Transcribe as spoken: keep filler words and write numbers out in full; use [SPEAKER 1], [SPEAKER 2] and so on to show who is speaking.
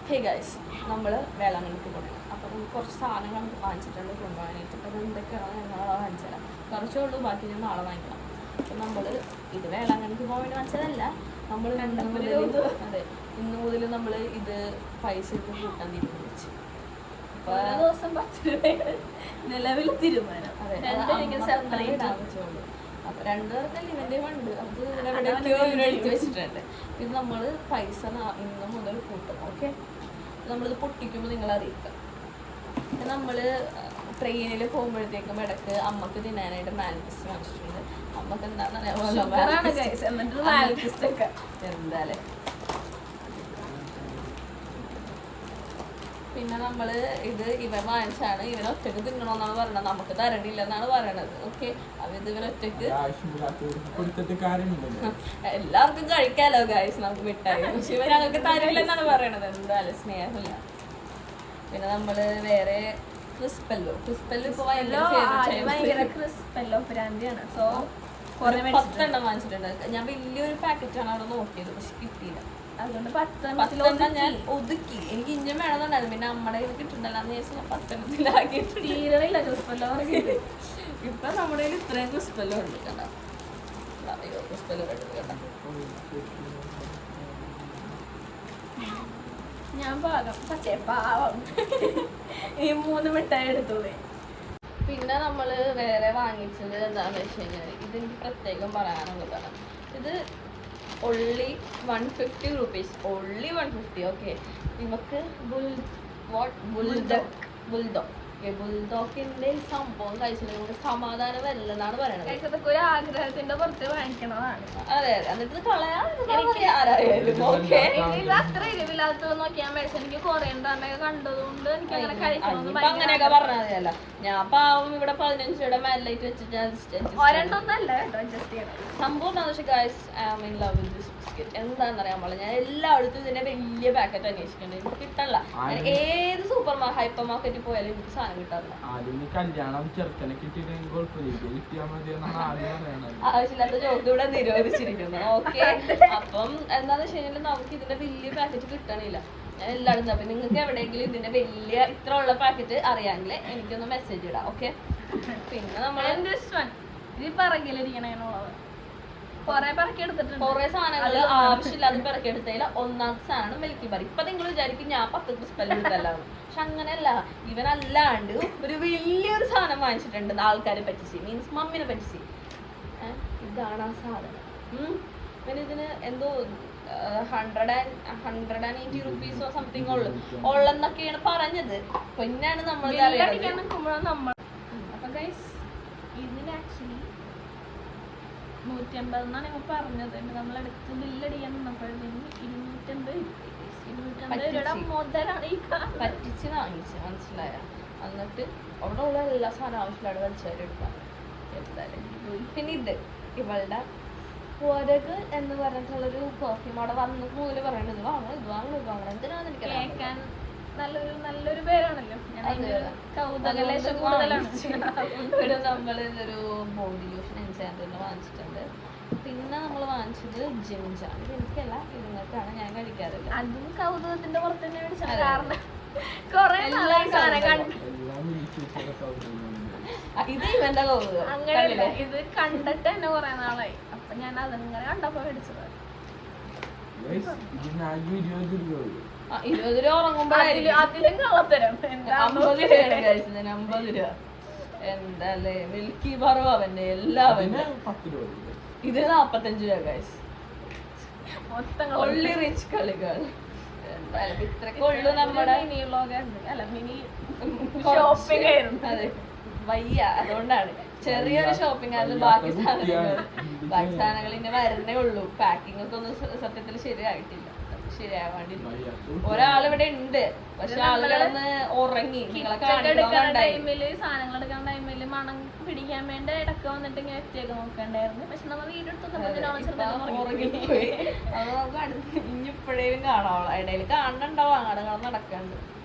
[SPEAKER 1] Hey guys, നമ്മൾ വേളാങ്കണ്ണിക്ക് പോകണം. അപ്പോൾ നമുക്ക് കുറച്ച് സാധനങ്ങൾ നമുക്ക് വാങ്ങിച്ചിട്ടുണ്ട് കൊണ്ടുപോകാനായിട്ട്. അപ്പോൾ അത് എന്തൊക്കെയാണോ ഞങ്ങൾ വാങ്ങിച്ചു തരാം. കുറച്ചേ ഉള്ളൂ, ബാക്കി ഞാൻ നാളെ വാങ്ങിക്കണം. അപ്പം നമ്മൾ ഇത് വേളാങ്കണ്ണിക്ക് പോകാൻ വേണ്ടി വാങ്ങിച്ചതല്ല. നമ്മൾ ഇന്ന് മുതൽ അതെ ഇന്ന് മുതൽ നമ്മൾ ഇത് പൈസ ഇത് കൂട്ടാൻ തീരുമാനിച്ചു. അപ്പോൾ
[SPEAKER 2] ദിവസം പത്ത് രൂപയാണ് നിലവിൽ തീരുമാനം.
[SPEAKER 1] അതെ ആവശ്യമുള്ളൂ. അപ്പോൾ രണ്ടു പേർക്കല്ല ഇവൻ്റെ ഉണ്ട്, അത് ഇവിടെ എഴുതി വെച്ചിട്ടുണ്ട്. ഇത് നമ്മൾ പൈസ ഇന്ന് മുതൽ കൂട്ടും. ഓക്കെ, നമ്മളിത് പൊട്ടിക്കുമ്പോൾ നിങ്ങളെ അറിയിക്കാം. നമ്മൾ ട്രെയിനിൽ പോകുമ്പോഴത്തേക്കും ഇടയ്ക്ക് അമ്മക്ക് തിന്നാനായിട്ട് മാൽക്കിസ്റ്റ് വാങ്ങിച്ചിട്ടുണ്ട്. അമ്മക്ക് എന്താണെന്ന് എന്തായാലും. പിന്നെ നമ്മൾ ഇത് ഇവൻ വാങ്ങിച്ചാണ്. ഇവൻ ഒറ്റക്ക് തിന്നണമെന്നാണ് പറയണത്, നമുക്ക് തരണില്ല എന്നാണ് പറയണത്. ഓക്കെ, അപ്പം ഇത് ഇവൻ ഒറ്റക്ക് എല്ലാവർക്കും കഴിക്കാലോ ഗായ്സ്, നമുക്ക് മിഠായി. പക്ഷെ ഇവൻ ഞങ്ങൾക്ക് തരില്ല എന്നാണ് പറയണത്. എന്തായാലും സ്നേഹമില്ല. പിന്നെ നമ്മൾ വേറെ ക്രിസ്പെല്ലോ ക്രിസ്പെല്ലോ ഇപ്പൊ പത്തെണ്ണം വാങ്ങിച്ചിട്ടുണ്ട്. ഞാൻ വലിയൊരു പാക്കറ്റാണ് അവിടെ നോക്കിയത്, പക്ഷെ കിട്ടിയില്ല.
[SPEAKER 2] അതുകൊണ്ട്
[SPEAKER 1] പത്തെണ്ണം ഞാൻ ഒതുക്കി. എനിക്ക് ഇഞ്ചം വേണമെന്നുണ്ടായിരുന്നു, പിന്നെ നമ്മുടെ കയ്യിൽ കിട്ടുന്നുണ്ടല്ലോ എന്ന് വിചാരിച്ചാൽ ഞാൻ പത്തെണ്ണത്തിലാക്കി
[SPEAKER 2] തീരണില്ല ക്രിസ്പെല്ലോ.
[SPEAKER 1] ഇപ്പൊ നമ്മുടെ കയ്യിൽ ഇത്രയും ക്രിസ്പെല്ലോ ഉണ്ട്. കണ്ട അയ്യോ ക്രിസ്പെല്ലോ കണ്ട.
[SPEAKER 2] ഞാൻ പാകം പക്ഷേ പാവം ഈ മൂന്ന് മിഠായി എടുത്തോളേ.
[SPEAKER 1] പിന്നെ നമ്മൾ വേറെ വാങ്ങിച്ചത് എന്താണെന്ന് വെച്ച് കഴിഞ്ഞാൽ ഇതെനിക്ക് പ്രത്യേകം പറയാനുള്ളതാണ്. ഇത് only one fifty rupees only one fifty okay. നമുക്ക് ബുൾ വാട്ട് ബുൾഡോഗ് ബുൾഡോഗ് ബുൾഡോക്കിന്റെ സംഭവം കഴിച്ചിട്ട് നമുക്ക് സമാധാനം വരില്ലെന്നാണ് പറയണത്.
[SPEAKER 2] അതൊക്കെ ഒരു ആഗ്രഹത്തിന്റെ പുറത്ത് വാങ്ങിക്കണതാണ്.
[SPEAKER 1] അതെ അതെ, എന്നിട്ട് കളയാൻ ആരായാലും ഓക്കെ.
[SPEAKER 2] അത്ര എരിവില്ലാത്തത് നോക്കിയാൽ മേടിച്ചു. എനിക്ക് കൊറിയണ്ടറിനെ കണ്ടതുകൊണ്ട് എനിക്ക് അങ്ങനെ കഴിക്കണം.
[SPEAKER 1] അങ്ങനെയൊക്കെ പറഞ്ഞാൽ മതിയല്ല. ഞാൻ പാവം ഇവിടെ പതിനഞ്ച് രൂപയുടെ മേലായിട്ട് വെച്ചിട്ട്
[SPEAKER 2] ഒരെണ്ണൊന്നല്ല കേട്ടോ അഡ്ജസ്റ്റ് ചെയ്യണം.
[SPEAKER 1] സംഭവം എന്താണെന്ന് വെച്ചാൽ guys I am in love with this biscuit. എന്താണെന്ന് അറിയാൻ പാടില്ല, ഞാൻ എല്ലായിടത്തും ഇതിന്റെ വലിയ പാക്കറ്റ് അന്വേഷിക്കുന്നുണ്ട്, എനിക്ക് കിട്ടല്ല. ഏത് സൂപ്പർ മാ ഹൈപ്പർ മാർക്കറ്റിൽ പോയാലും എനിക്ക് സാധനം കിട്ടാറില്ല. ആവശ്യമില്ലാത്ത ജോക്ക് ഇവിടെ നിരോധിച്ചിരിക്കുന്നു. ഓക്കെ, അപ്പം എന്താന്ന് വെച്ച് കഴിഞ്ഞാൽ നമുക്ക് ഇതിന്റെ വലിയ പാക്കറ്റ് കിട്ടണില്ല. ഞാൻ എല്ലായിടത്തും. അപ്പൊ നിങ്ങൾക്ക് എവിടെയെങ്കിലും ഇതിന്റെ വലിയ ഇത്ര ഉള്ള പാക്കറ്റ് അറിയാമെങ്കിൽ എനിക്കൊന്ന് മെസ്സേജ് ഇടാം. ഓക്കെ, പിന്നെ നമ്മൾ
[SPEAKER 2] ഇത് പറകിലിരിക്കണേന്നുള്ളത് കൊറേ പറക്കി എടുത്തിട്ടുണ്ട്.
[SPEAKER 1] കൊറേ സാധനങ്ങൾ ആവശ്യമില്ലാതെ പിറക്കി എടുത്തതിൽ ഒന്നാമത്തെ സാധനം മിൽക്കി ബാർ. ഇപ്പൊ നിങ്ങൾ വിചാരിക്കും ഞാൻ പത്ത് ക്രിസ്പെല്ലോ എടുത്തല്ലാന്ന്, പക്ഷെ അങ്ങനെയല്ല. ഇവനല്ലാണ്ട് ഒരു വലിയൊരു സാധനം വാങ്ങിച്ചിട്ടുണ്ട് ആൾക്കാരെ പറ്റിച്ച്, മീൻസ് മമ്മിനെ പറ്റിച്ച്. ഇതാണ് ആ സാധനം. പിന്നെ ഇതിന് എന്തോ hundred and hundred and eighty റുപ്പീസോ സംതിങ് ഉള്ളു ഉള്ളെന്നൊക്കെയാണ് പറഞ്ഞത്. പിന്നെയാണ് നമ്മൾ
[SPEAKER 2] നമ്മൾ അപ്പൊ ഗൈസ് ഇതിന് ആക്ച്വലി നൂറ്റമ്പത് എന്നാണ് ഞങ്ങൾ പറഞ്ഞത്. നമ്മളെടുത്ത് ബില്ലടിക്കാൻ നിന്നപ്പോഴത്തേക്കും ഇരുന്നൂറ്റമ്പത് ഇരുന്നൂറ്റമ്പത് രൂപയുടെ മുതലാണ് ഈ
[SPEAKER 1] പറ്റിച്ച് വാങ്ങിച്ച്, മനസ്സിലായ. എന്നിട്ട് അവിടെ ഉള്ള എല്ലാ സാധനം ആവശ്യമില്ലാതെ വലിച്ചവരെടുക്കാം എന്തായാലും. പിന്നെ ഇത് ഇവളുടെ പുരക് എന്ന് പറഞ്ഞിട്ടുള്ളൊരു പെർഫ്യൂം അവിടെ വന്ന് മുതൽ പറയണത് ഇത് വാങ്ങണം ഇത് വാങ്ങണം ഇത് വാങ്ങണം. എന്തിനാന്ന് എനിക്ക്
[SPEAKER 2] കേൾക്കാൻ നല്ലൊരു നല്ലൊരു പേരാണല്ലോ. കൗതുകലേശം കൂടുതലാണ്.
[SPEAKER 1] ഇവിടെ നമ്മൾ ഇതൊരു ബോഡി ലോഷൻ എൻചാൻഡറിന് വാങ്ങിച്ചിട്ടുണ്ട്. പിന്നെ നമ്മൾ വാങ്ങിച്ചത് ജിംജാണ്. ഇത് എനിക്കല്ല, ഇരുന്നിട്ടാണ്, ഞാൻ കഴിക്കാറില്ല.
[SPEAKER 2] അതും കൗതുകത്തിന്റെ പുറത്ത് തന്നെ മേടിച്ചാൽ കാരണം കൊറേ സാധനം കണ്ടു.
[SPEAKER 1] ഇത് ഇവന്റെ കൗതുകം.
[SPEAKER 2] അങ്ങനെയല്ല, ഇത് കണ്ടിട്ട് തന്നെ കൊറേ നാളായി. അപ്പൊ ഞാൻ അതങ്ങനെ കണ്ടപ്പോ മേടിച്ചത്.
[SPEAKER 1] ഇരുപത് രൂപ ഉറങ്ങുമ്പോഴായിരിക്കും
[SPEAKER 2] അതിലും കളത്തരം.
[SPEAKER 1] അമ്പത് രൂപയാണ് കഴിച്ചത്, അമ്പത് രൂപ. എന്താല്ലേ മിൽക്കി ബാറും അവന്റെ എല്ലാവരും. ഇത് നാപ്പത്തഞ്ച് രൂപ കഴിച്ചു.
[SPEAKER 2] മൊത്തം
[SPEAKER 1] ഒള്ളി റിച്ച് കളികൾ. എന്തായാലും ഇത്രയൊക്കെ ഉള്ളു നമ്മുടെ
[SPEAKER 2] മിനി വ്ലോഗ് അല്ല മിനി ഷോപ്പിംഗ് ആയിരുന്നു.
[SPEAKER 1] അതെ വയ്യ, അതുകൊണ്ടാണ് ചെറിയൊരു ഷോപ്പിംഗ് ആയിരുന്നു. ബാക്കി സാധനങ്ങൾ ബാക്കി സാധനങ്ങൾ ഇനി വരുന്നേ ഉള്ളൂ. പാക്കിംഗ് ഒക്കെ ഒന്നും സത്യത്തിൽ ശരിയായിട്ടില്ല, ശരിയാവാണ്ടി. ഒരാളിവിടെ ഉണ്ട്, പക്ഷെ ആളുകളൊന്ന് ഉറങ്ങി. നിങ്ങളെ
[SPEAKER 2] ടൈമില് സാധനങ്ങൾ എടുക്കുന്ന ടൈമില് മണം പിടിക്കാൻ വേണ്ടി ഇടക്ക് വന്നിട്ട് ഇങ്ങനെ എത്തിയൊക്കെ നോക്കണ്ടായിരുന്നു. പക്ഷെ നമ്മൾ വീഡിയോ
[SPEAKER 1] ഉറങ്ങിപ്പോയി. അത് നമുക്ക് അടുത്ത് ഇനിയിപ്പോഴേലും കാണാവളോ, ഇടയിൽ കാണുന്നുണ്ടാവും. അങ്ങോട്ട് നടക്കാണ്ട്